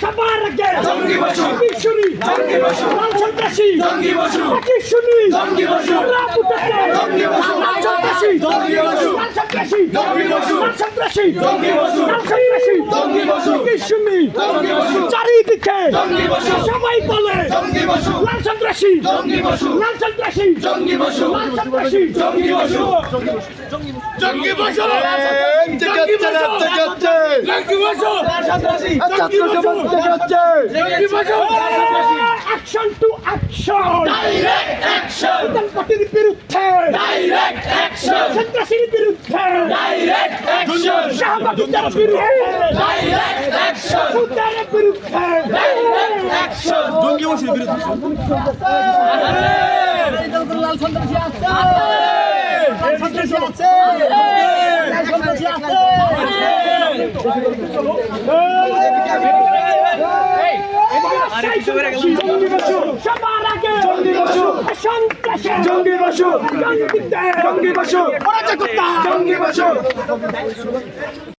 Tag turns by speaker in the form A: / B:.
A: সবার আগে
B: জঙ্গি বসু
A: শুনি
B: জঙ্গি বসু
A: লাল সন্ত্রাসী
B: জঙ্গি বসু
A: শুনি
B: জঙ্গি বসু জঙ্গি বসু
A: লাল সন্ত্রাসী
B: জঙ্গি বসু
A: লাল সন্ত্রাসী
B: জঙ্গি বসু
A: লাল সন্ত্রাসী
B: জঙ্গি বসু
A: লাল সন্ত্রাসী
B: জঙ্গি বসু
A: শুনি
B: জঙ্গি বসু
A: চারিদিকে
B: জঙ্গি বসু
A: সবাই বলে
B: জঙ্গি বসু
A: লাল সন্ত্রাসী
B: জঙ্গি বসু
A: লাল সন্ত্রাসী
B: জঙ্গি বসু
A: লাল সন্ত্রাসী
B: জঙ্গি বসু জঙ্গি বসু জঙ্গি বসু জঙ্গি বসু জঙ্গি Basu
A: action to action
B: direct action
A: পার্টির বিরুদ্ধে
B: ডাইরেক্ট অ্যাকশন
A: সন্ত্রাসীর বিরুদ্ধে
B: ডাইরেক্ট অ্যাকশন
A: শাহবাগীদের বিরুদ্ধে
B: ডাইরেক্ট অ্যাকশন
A: সুতারের বিরুদ্ধে
B: ডাইরেক্ট অ্যাকশন
C: জঙ্গি বসুর বিরুদ্ধে
A: লাল সন্ত্রাসী আছে লাল সন্ত্রাসী আছে লাল সন্ত্রাসী আছে সবার আগে সন্ত্রাসী
C: জঙ্গি বসু
A: জঙ্গি
C: জঙ্গি বসু
A: অরাজকতা
C: জঙ্গি বসু